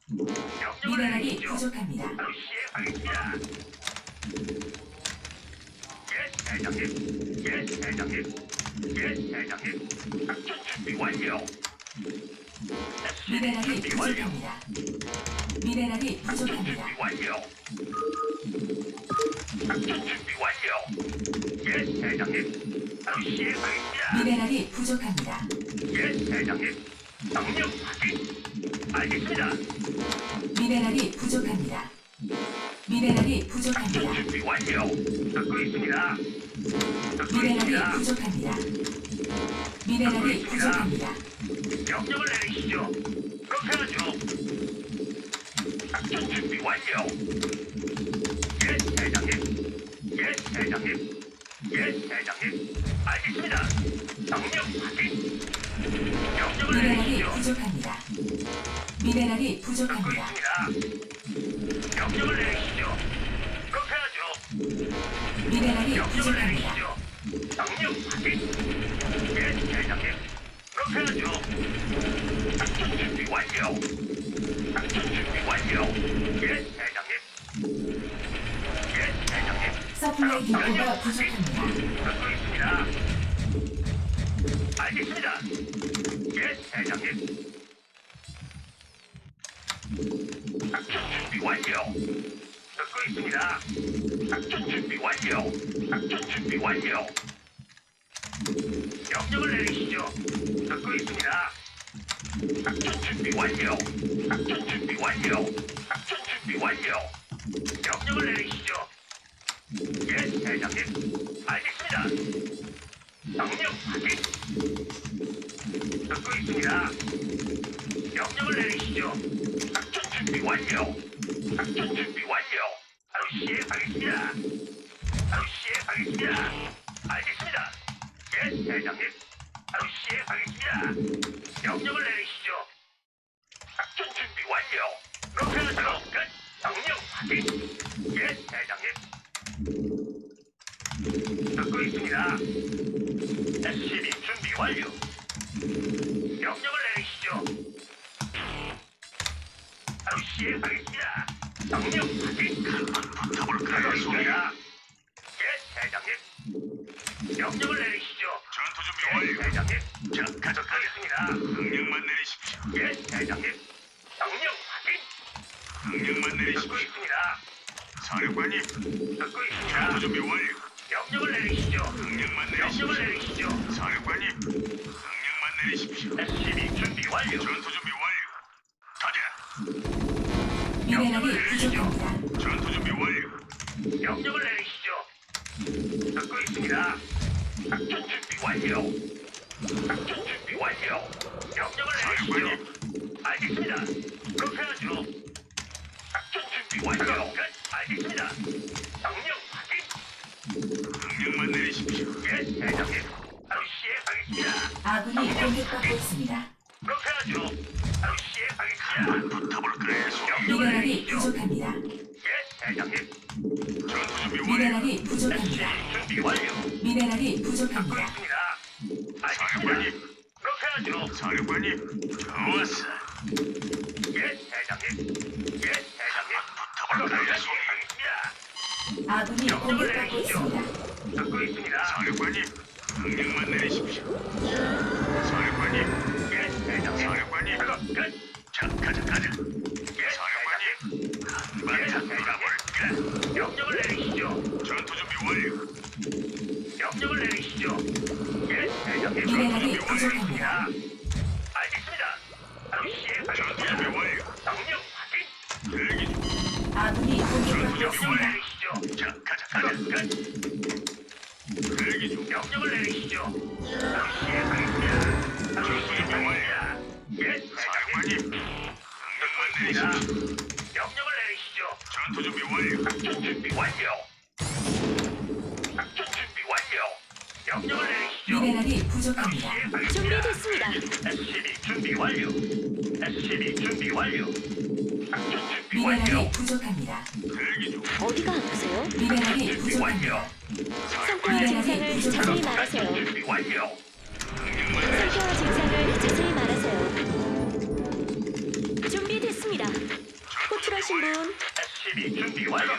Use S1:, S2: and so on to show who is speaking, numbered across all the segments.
S1: 명령을
S2: 미네랄이
S1: 내리시죠.
S2: 부족합니다.
S1: 바로 시행하겠습니다. 예, 대장님. 예, 대장님. 예, 대장님. 작전 준비 완료.
S2: 미네랄이
S1: 준비 완료.
S2: 부족합니다. 미네랄이
S1: 작전
S2: 부족합니다.
S1: 준비 완료. 작전 준비 완료. 예, 대장님. 바로 시행하겠습니다.
S2: 미네랄이 부족합니다.
S1: 예, 대장님. 명령 확인. 알겠습니다.
S2: 미네랄이 부족합니다. 미네랄이
S1: 작전
S2: 부족합니다.
S1: 준비 완료. 듣고 있습니다. 듣고
S2: 미네랄이
S1: 있습니다.
S2: 부족합니다. 미네랄이 부족합니다.
S1: 명령을 내리시죠. 그렇게 하죠. 작전 준비 완료. 예, 대장님. 예, 대장님. 예, 대장님. 알겠습니다. 명령 확인. 명령을
S2: 미네랄이
S1: 내리시죠.
S2: 부족합니다. 미네랄이
S1: 듣고
S2: 부족합니다.
S1: 있습니다. 명령을 내리시죠. 그렇게 하죠.
S2: 미네랄이
S1: 명령을
S2: 부족합니다.
S1: 내리시죠. 명령 확인. 예, 대장님. 그렇게 하죠. 작전 준비 완료. 작전 준비 완료. 예, 대장님. 예, 대장님.
S2: 서플라이 디포가 부족합니다.
S1: 듣고 있습니다. 알겠습니다. 예, 대장님. 작전 준비 완료. 듣고 있습니다. 작전 준비 완료. 작전 준비 완료. 명령을 내리시죠. 듣고 있습니다. 작전 준비 완료. 작전 준비 완료. 작전 준비 완료. 명령을 내리시죠. 예, 대장님. 알겠습니다. 명령 확인. 듣고 있습니다. 명령을 내리시죠. 작전 준비 완료. 작전 준비 완료. 바로 시행하겠습니다. 바로 시행하겠습니다. 알겠습니다. 예, 대장님. 바로 시행하겠습니다. 명령을 내리시죠. 작전 준비 완료. 그렇게 하죠. 끝. 명령 확인. 예, 대장님. 듣고 있습니다. SCB 준비 완료. 명령을 내리시죠. 바로 시행하겠습니다. 명령 확인. 붙어볼까요, 소리야? 예, 대장님. 명령을 내리시죠.
S3: 전투 준비
S1: 예,
S3: 완료.
S1: 대장님. 자, 가져가겠습니다.
S3: 명령만 내리십시오.
S1: 예, 대장님. 명령 확인.
S3: 명령만
S1: 듣고
S3: 내리십시오.
S1: 있습니다.
S3: 사령관님,
S1: 듣고 있습니다.
S3: 전투 준비 완료.
S1: 명령을 내리시죠.
S3: 명령만
S1: 명령을
S3: 내리십시오.
S1: 내리시죠.
S3: 사령관님, 명령만 내리십시오.
S1: SCB 준비 완료.
S3: 전투 준비 완료. 가자.
S2: 미네랄이 부족합니다.
S3: 전투 준비 완료.
S1: 명령을 내리시죠. 듣고 있습니다. 작전 준비 완료. 작전 준비 완료. 명령을 내리시죠. 알겠습니다. 그렇게 하죠. 작전 준비 완료. 끝. 알겠습니다. 명령 확인.
S3: 명령만 내리십시오.
S1: 예, 대장님. 바로 시행하겠습니다.
S2: 아군이 공격받고 있습니다.
S1: 그렇게 하죠. 바로 시행하겠습니다.
S3: 붙어볼까요, 소리?
S1: 명령을
S2: 미네랄이
S1: 내리시죠.
S2: 부족합니다.
S1: 예, 대장님.
S3: 전투 준비 완료.
S2: 미네랄이 부족합니다.
S1: 준비 완료.
S2: 미네랄이
S1: 듣고
S2: 부족합니다.
S1: 있습니다. 알겠습니다.
S3: 사령관님,
S1: 그렇게 하죠.
S3: 사령관님, 좋았어.
S1: 예, 대장님. 예, 대장님.
S3: 붙어볼까요, 소리?
S1: 하겠습니다.
S2: 아군이
S1: 명령을
S2: 공격받고
S1: 내리시죠.
S2: 있습니다.
S1: 듣고 있습니다.
S3: 사령관님, 명령만 내리십시오. 사령관님,
S1: 예, 대장님.
S3: 사령관님,
S1: 작업 끝.
S3: 자, 가자.
S1: 예,
S3: 사령관님,
S1: 대장님.
S3: 한바탕 놀아볼까?
S1: 명령을 내리시죠.
S3: 전투 준비 완료.
S1: 명령을 내리시죠. 예, 대장님.
S2: 미네랄이
S1: 준비
S2: 부족합니다.
S1: 완료입니다. 알겠습니다. 바로
S3: 전투 준비
S1: 시행하겠습니다.
S3: 완료.
S1: 명령 확인.
S3: 대기 중.
S2: 아군이 공격받고
S1: 명령을
S2: 있습니다.
S1: 내리시죠.
S3: 자, 가자.
S1: 작업 끝.
S3: 대기 중.
S1: 명령을 내리시죠. 바로 시행하겠습니다. 바로
S3: 전투 준비
S1: 시행하겠습니다.
S3: 완료.
S1: 예, 대장님.
S3: 사령관님, 명령만
S1: 있습니다.
S3: 내리십시오.
S1: 명령을 내리시죠.
S3: 전투 준비 완료.
S1: 작전 준비 완료. 작전 준비 완료. 명령을 내리시죠.
S2: 미네랄이 부족합니다.
S4: 준비됐습니다.
S1: SCB 준비 완료. SCB 준비 완료. 작전 준비 완료.
S2: 미네랄이 부족합니다.
S3: 대기 중.
S4: 어디가 아프세요?
S2: 미네랄이
S1: 준비
S2: 부족합니다.
S1: 완료.
S4: 상태와 증상을 자세히 말하세요.
S1: 작전 준비 완료.
S3: 명령만 내리십시오.
S4: 상태와 증상을 자세히 말하세요. 준비됐습니다. 분.
S1: SCB 준비 완료.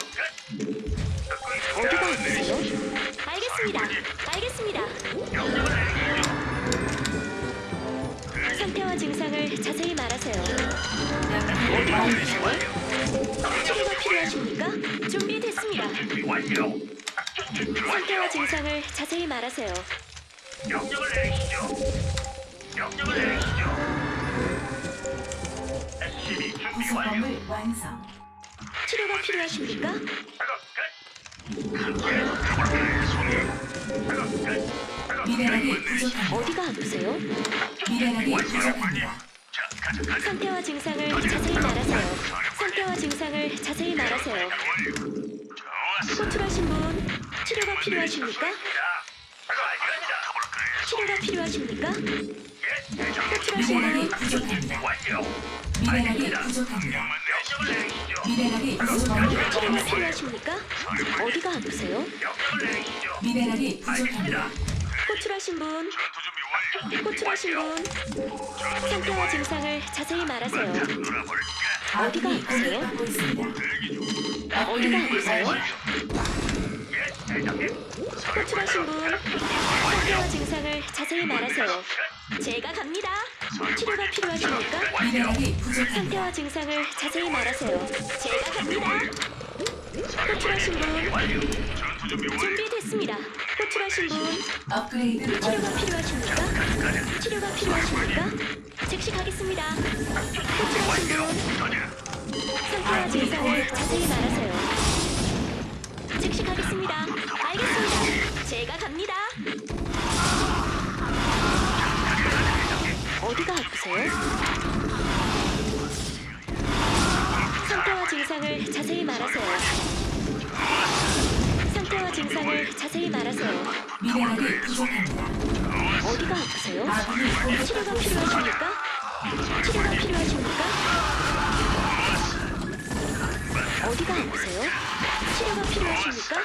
S4: 어디가 아프세요? 알겠습니다. 알겠습니다.
S1: 명령을 내리시죠.
S4: 상태와 증상을 자세히 말하세요.
S2: 연구 완료.
S4: 치료가 필요하십니까? 준비됐습니다.
S1: 준비 완료. 작전 준비
S4: 상태와
S1: 완료.
S4: 증상을 자세히 말하세요.
S1: 명령을 내리시죠. 명령을 내리시죠. SCB 준비 완료.
S2: 구성범을 완성.
S4: 치료가 필요하십니까?
S1: 작업 끝. 작업 끝.
S2: 미네랄이 부족합니다.
S4: 어디가 아프세요?
S2: 미네랄이 부족합니다.
S1: 자, 가자.
S4: 상태와 증상을 자세히 말하세요. 상태와 증상을 자세히 말하세요. 호출하신 분, 치료가 필요하십니까? 치료가 필요하십니까? 호출하신
S2: 미네랄이
S4: 분,
S2: 부족합니다.
S1: 완료.
S2: 미네랄이 부족합니다.
S1: 명령을 내리시죠.
S2: 미네랄이 부족합니다.
S4: 치료가 필요하십니까? 어디가 아프세요?
S1: 명령을 내리시죠.
S2: 미네랄이 부족합니다.
S4: 호출하신 분,
S3: 전투 준비 완료.
S4: 호출하신 분, 상태와 증상을 자세히 말하세요.
S1: 놀아볼까?
S4: 어디가
S2: 아군이
S4: 아프세요?
S2: 공격받고 있습니다.
S4: 어디가
S2: 업그레이드
S4: 아프세요?
S2: 완료.
S1: 예, 대장님.
S4: 호출하신 분, 상태와 증상을 자세히 말하세요. 제가 갑니다. 치료가 필요하십니까?
S2: 미네랄이 부족합니다.
S4: 상태와 증상을 자세히 말하세요. 제가 갑니다. 호출하신 분,
S1: 완료.
S3: 전투 준비 완료.
S4: 준비됐습니다. 호출하신 분,
S2: 업그레이드
S4: 치료가
S2: 완료.
S4: 필요하십니까? 치료가 필요하십니까? 즉시 가겠습니다. 호출하신 분, 상태와 증상을 자세히 말하세요. 즉시 가겠습니다. 알겠습니다. 제가 갑니다. 어디가 아프세요? 상태와 증상을 자세히 말하세요. 상태와 증상을 자세히 말하세요.
S2: 미네랄이 부족합니다.
S4: 어디가 아프세요?
S2: 아군이
S4: 치료가
S2: 공격받고 있습니다.
S4: 필요하십니까? 치료가 필요하십니까? 어디가 아프세요? 치료가 필요하십니까?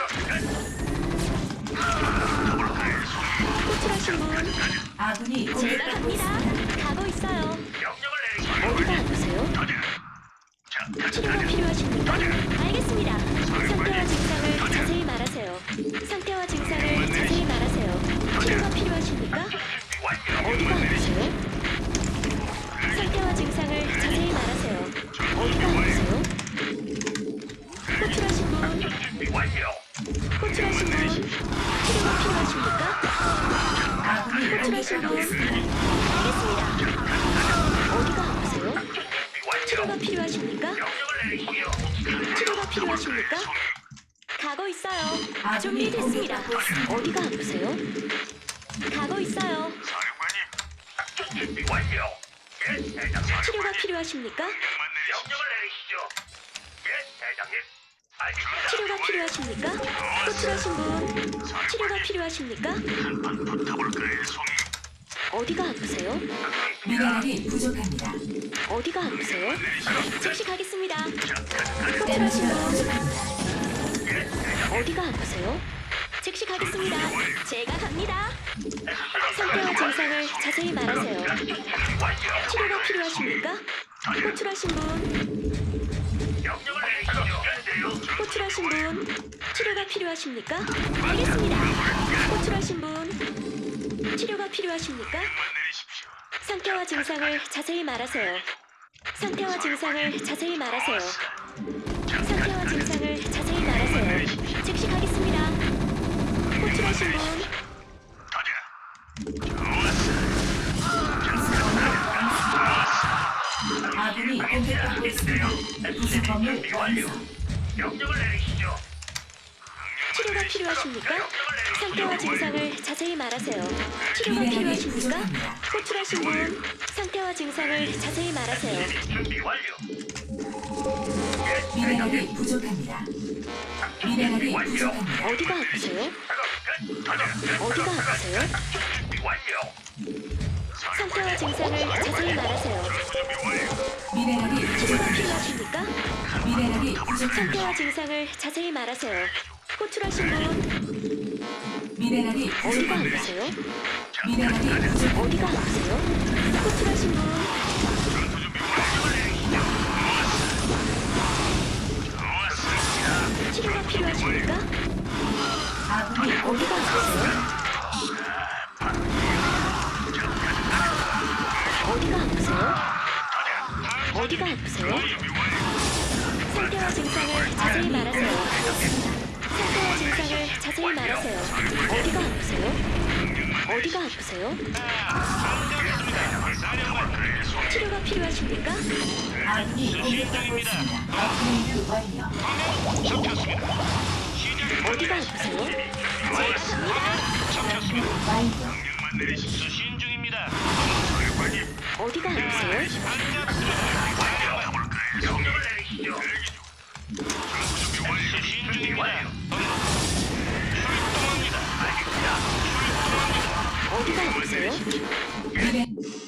S4: 호출하신 분,
S2: 아군이
S4: 제가
S2: 공격받고
S4: 갑니다.
S2: 있습니다.
S4: 가고 있어요.
S1: 명령을 내리시죠.
S4: 어디가 아프세요? 치료가 필요하십니까? 알겠습니다. 상태와 증상을 자세히 말하세요. 상태와 증상을 자세히 말하세요. 치료가 필요하십니까? 어디가 아프세요? 상태와 증상을 자세히 말하세요. 어디가 아프세요? 호출하신 분,
S1: 준비 완료.
S4: 호출하신 분, 치료가 필요하십니까?
S2: 아군이
S4: 호출하신
S2: 공격받고
S4: 분,
S2: 있습니다.
S4: 알겠습니다. 어디가 아프세요?
S1: 준비 완료.
S4: 치료가 필요하십니까?
S1: 명령을 내리시죠.
S4: 치료가 필요하십니까? 가고 있어요.
S2: 아군이
S4: 준비됐습니다.
S2: 공격받고 있습니다.
S4: 어디가 아프세요? 가고 있어요.
S3: 사령관님,
S1: 작전 준비 완료. 예, 대장님.
S4: 치료가 필요하십니까?
S3: 명만 내리십시오.
S1: 명령을 내리시죠. 예, 대장님. 알겠습니다.
S4: 치료가 필요하십니까? 호출하신 분, 치료가 필요하십니까?
S3: 붙어볼까요, 송이?
S4: 어디가 아프세요?
S2: 미네랄이 부족합니다.
S4: 어디가 아프세요? 즉시 가겠습니다. 호출하신
S2: 에너지가
S4: 분,
S2: 부족합니다.
S4: 어디가 아프세요? 즉시 가겠습니다. 제가 갑니다. 상태와 증상을 자세히 말하세요. 치료가 필요하십니까? 호출하신 분,
S1: 명령을 내리시죠.
S4: 호출하신 분, 치료가 필요하십니까? 알겠습니다. 호출하신 분, 치료가 필요하십니까?
S3: 명만 내리십시오.
S4: 상태와 증상을 자세히 말하세요. 상태와 증상을 자세히 말하세요. 상태와 증상을 자세히 말하세요. 즉시 가겠습니다. 호출하신 분,
S2: 아군이 공격받고 있습니다. 구성범을
S1: 준비 완료.
S2: 완성.
S1: 명령을 내리시죠.
S4: 치료가 필요하십니까? 상태와 증상을 자세히 말하세요. 치료가
S2: 미네랄이
S4: 필요하십니까?
S2: 부족합니다.
S4: 호출하신 분, 상태와 증상을 자세히 말하세요.
S1: 준비 완료.
S2: 미네랄이 부족합니다. 미네랄이 부족합니다.
S4: 어디가 아프세요? 어디가 아프세요?
S1: 준비 완료.
S4: 상태와 증상을 자세히 말하세요.
S2: 미네랄이
S4: 치료가
S2: 부족합니다.
S4: 필요하십니까?
S2: 미네랄이 부족합니다.
S4: 상태와 증상을 자세히 말하세요. 호출하신 분,
S2: 미네랄이
S4: 어디가
S2: 부족합니다.
S4: 아프세요?
S2: 미네랄이 부족합니다.
S4: 어디가 아프세요? 호출하신 분, 어디가 아프세요? 상태와 증상을 자세히 말하세요. 상태와 증상을 자세히 말하세요. 어디가 아프세요? 어디가 아프세요? 치료가 필요하십니까?
S2: 아군이 공격받고 있습니다. 업그레이드 완료.
S4: 어디가 아프세요? 제가 갑니다.
S2: 완료.
S3: 수신 중입니다.
S4: 어디가 아프세요?
S1: 명령을 내리시죠.
S3: 수신 중입니다.
S4: 어디가 아프세요?
S2: 미네